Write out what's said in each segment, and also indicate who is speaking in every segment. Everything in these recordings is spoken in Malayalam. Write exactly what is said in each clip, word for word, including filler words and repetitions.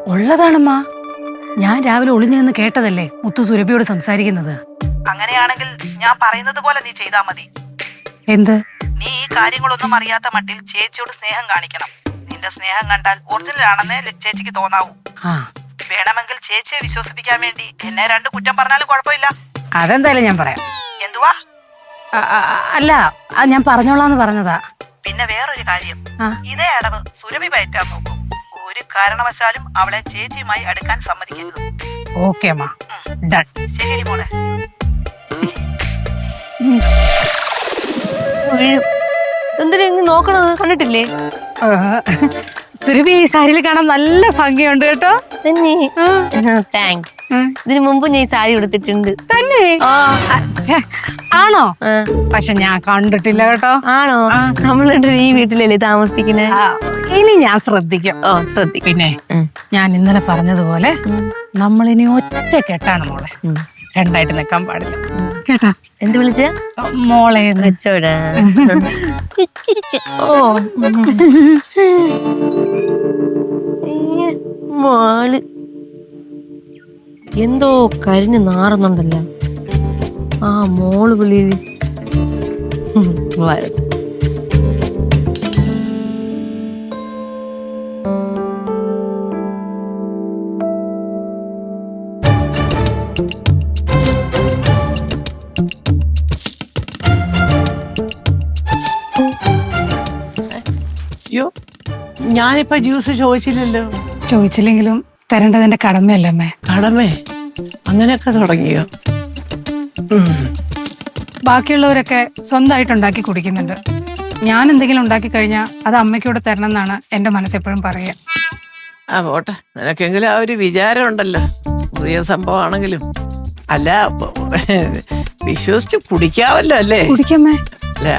Speaker 1: ഉള്ളതാണമ്മ. ഞാൻ രാവിലെ ഒളിഞ്ഞു നിന്ന് കേട്ടതല്ലേ മുത്തു സുരഭിയോട് സംസാരിക്കുന്നത്.
Speaker 2: അങ്ങനെയാണെങ്കിൽ ഞാൻ പറയുന്നത് പോലെ നീ ചെയ്താ മതി.
Speaker 1: എന്ത്?
Speaker 2: നീ ഈ കാര്യങ്ങളൊന്നും അറിയാത്ത മട്ടിൽ ചേച്ചിയോട് സ്നേഹം കാണിക്കണം. നിന്റെ സ്നേഹം കണ്ടാൽ ഒറിജിനൽ ആണെന്നേ ചേച്ചിക്ക് തോന്നാവൂ.
Speaker 1: ആ,
Speaker 2: വേണമെങ്കിൽ ചേച്ചിയെ വിശ്വസിപ്പിക്കാൻ വേണ്ടി എന്നെ രണ്ട് കുറ്റം പറഞ്ഞാലും കുഴപ്പമില്ല.
Speaker 1: അതെന്തായാലും ഞാൻ പറയാം.
Speaker 2: എന്തുവാ?
Speaker 1: ആ, ആ, അല്ല, അത് ഞാൻ പറഞ്ഞോളാന്ന് പറഞ്ഞതാ.
Speaker 2: പിന്നെ വേറൊരു കാര്യം,
Speaker 1: ആ.
Speaker 2: ഇതേ അടവ് സുരഭി പയറ്റാൻ നോക്കും. ഒരു കാരണവശാലും അവളെ ചേച്ചിയുമായി അടുക്കാൻ സമ്മതിക്കരുത്.
Speaker 1: ഓക്കെ അമ്മ, ഡൺ.
Speaker 2: ശരിയടി മോളെ.
Speaker 3: എന്തിനാ നോക്കണത്? കണ്ടിട്ടില്ലേ?
Speaker 1: സുരഭി ഈ സാരിയിൽ കാണാൻ നല്ല ഭംഗിയുണ്ട് കേട്ടോ.
Speaker 3: താങ്ക്സ്. ഇതിനു മുമ്പ് ഞാൻ ഈ സാരി കൊടുത്തിട്ടുണ്ട്.
Speaker 1: തന്നെ? ഛെ, ആണോ?
Speaker 3: ആ.
Speaker 1: പക്ഷെ ഞാൻ കണ്ടിട്ടില്ല കേട്ടോ.
Speaker 3: ആണോ? നമ്മൾ ഈ വീട്ടിലല്ലേ താമസിക്കുന്നേ?
Speaker 1: ആ, ഇനി ഞാൻ ശ്രദ്ധിക്കും.
Speaker 3: ഓ, ശ്രദ്ധിക്കും.
Speaker 1: പിന്നെ ഞാൻ ഇന്നലെ പറഞ്ഞതുപോലെ നമ്മളിനി ഒറ്റ കെട്ടാണ് മോളെ. രണ്ടായിട്ട് നിൽക്കാൻ പാടില്ല കേട്ടാ.
Speaker 3: എന്ത് വിളിച്ച?
Speaker 1: മോളെ
Speaker 3: വെച്ചോടാ. ഓ മോള് എന്തോ കരിഞ്ഞ് നാറുന്നുണ്ടല്ലോ. ആ മോള് വിളി വരട്ടെ.
Speaker 4: അയ്യോ, ഞാനിപ്പോ ജ്യൂസ് ചോദിച്ചില്ലല്ലോ.
Speaker 1: ചോദിച്ചില്ലെങ്കിലും തരേണ്ടതിന്റെ കടമയല്ലേ അമ്മേ.
Speaker 4: കടമേ? അങ്ങനെയൊക്കെ തുടങ്ങിയോ?
Speaker 1: ബാക്കിയുള്ളവരൊക്കെ സ്വന്തമായിട്ട് ഉണ്ടാക്കി കുടിക്കുന്നുണ്ട്. ഞാൻ എന്തെങ്കിലും ഉണ്ടാക്കി കഴിഞ്ഞാൽ അത് അമ്മയ്ക്കൂടെ തരണം എന്നാണ് എന്റെ മനസ്സെപ്പോഴും പറയുക.
Speaker 4: ആ പോട്ടെ, നിനക്കെങ്കിലും ആ ഒരു വിചാരം ഉണ്ടല്ലോ. പുതിയ സംഭവമാണെങ്കിലും അല്ല, വിശ്വസിച്ച് കുടിക്കാവല്ലോ അല്ലേ?
Speaker 1: കുടിക്കമ്മേ.
Speaker 4: അല്ല,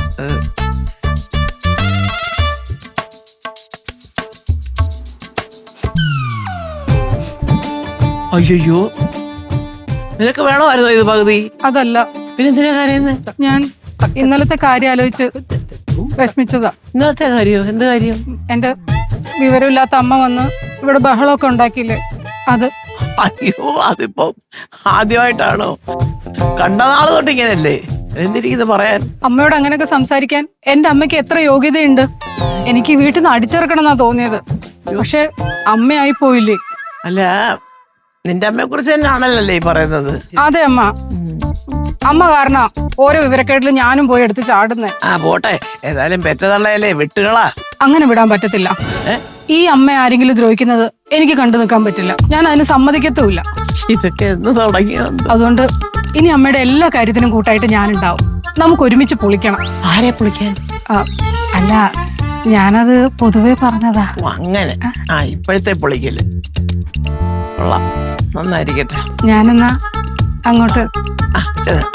Speaker 4: അയ്യോ, നിനക്ക് വേണമായിരുന്നോ ഇത് പകുതി?
Speaker 1: അതല്ല,
Speaker 4: പിന്നെ എന്തിനാ കരയുന്നത്?
Speaker 1: ഞാൻ ഇന്നലത്തെ കാര്യം ആലോചിച്ച് വിഷമിച്ചതാ.
Speaker 4: ഇന്നത്തെ കാര്യോ? എന്ത് കാര്യം?
Speaker 1: എന്റെ വിവരമില്ലാത്ത അമ്മ വന്ന് ഇവിടെ ബഹളമൊക്കെ ഉണ്ടാക്കിയില്ലേ, അത്.
Speaker 4: അയ്യോ, അതിപ്പോ ആദ്യമായിട്ടാണോ? കണ്ട നാള് തൊട്ട് ഇങ്ങനല്ലേ? എന്തിരിക്കുന്നത് പറയാൻ?
Speaker 1: അമ്മയോട് അങ്ങനെയൊക്കെ സംസാരിക്കാൻ എന്റെ അമ്മയ്ക്ക് എത്ര യോഗ്യതയുണ്ട്. എനിക്ക് വീട്ടിൽ നിന്ന് അടിച്ചിറക്കണം എന്നാ തോന്നിയത്. പക്ഷെ അമ്മയായി പോയില്ലേ.
Speaker 4: അല്ല, നിന്റെ അമ്മയെ കുറിച്ച് തന്നെയാണല്ലേ ഈ പറയുന്നത്?
Speaker 1: അതെ അമ്മ. അമ്മ കാരണം ഓരോ വിവരക്കേട്ടിലും ഞാനും പോയി എടുത്ത് ചാടുന്നേ.
Speaker 4: ആ പോട്ടെ, ഏതായാലും പെറ്റതള്ളയല്ലേ, വിട്ടുകളാ.
Speaker 1: അങ്ങനെ വിടാൻ പറ്റത്തില്ല. ഈ അമ്മ ആരെങ്കിലും ദ്രോഹിക്കുന്നത് എനിക്ക് കണ്ടു നിൽക്കാൻ പറ്റില്ല. ഞാൻ അതിന് സമ്മതിക്കത്തുമില്ല.
Speaker 4: ഇതൊക്കെ എന്ന് തുടങ്ങിയോ?
Speaker 1: അതുകൊണ്ട് ഇനി അമ്മയുടെ എല്ലാ കാര്യത്തിനും കൂട്ടായിട്ട് ഞാനുണ്ടാവും. നമുക്ക് ഒരുമിച്ച് പൊളിക്കണം.
Speaker 4: ആരെ പൊളിക്കാൻ?
Speaker 1: അല്ല, ഞാനത് പൊതുവെ പറഞ്ഞതാ.
Speaker 4: അങ്ങനെ? ആ, ഇപ്പോഴത്തെ പൊളിക്കല് കൊള്ളാം, നന്നായിരിക്കട്ടെ.
Speaker 1: ഞാനെന്നാ അങ്ങോട്ട്.
Speaker 4: ആ, ചെന്നിട്ട്.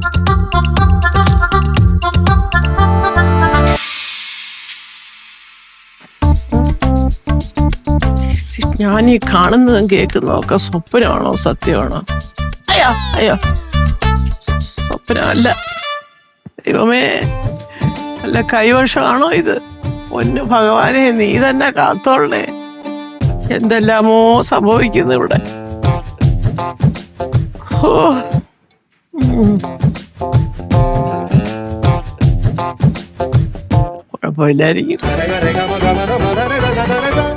Speaker 4: ഞാൻ ഈ കാണുന്നതും കേൾക്കുന്നതും ഒക്കെ സ്വപ്നമാണോ സത്യമാണോ? അയ്യോ അയ്യോ, സ്വപ്നമല്ല. ദൈവമേ, അല്ല കൈവശമാണോ ഇത്? പൊന്നു ഭഗവാനെ, നീ തന്നെ കാത്തോളേ. എന്തെല്ലാമോ സംഭവിക്കുന്നു ഇവിടെ. ഓ, കുഴപ്പമില്ലായിരിക്കും.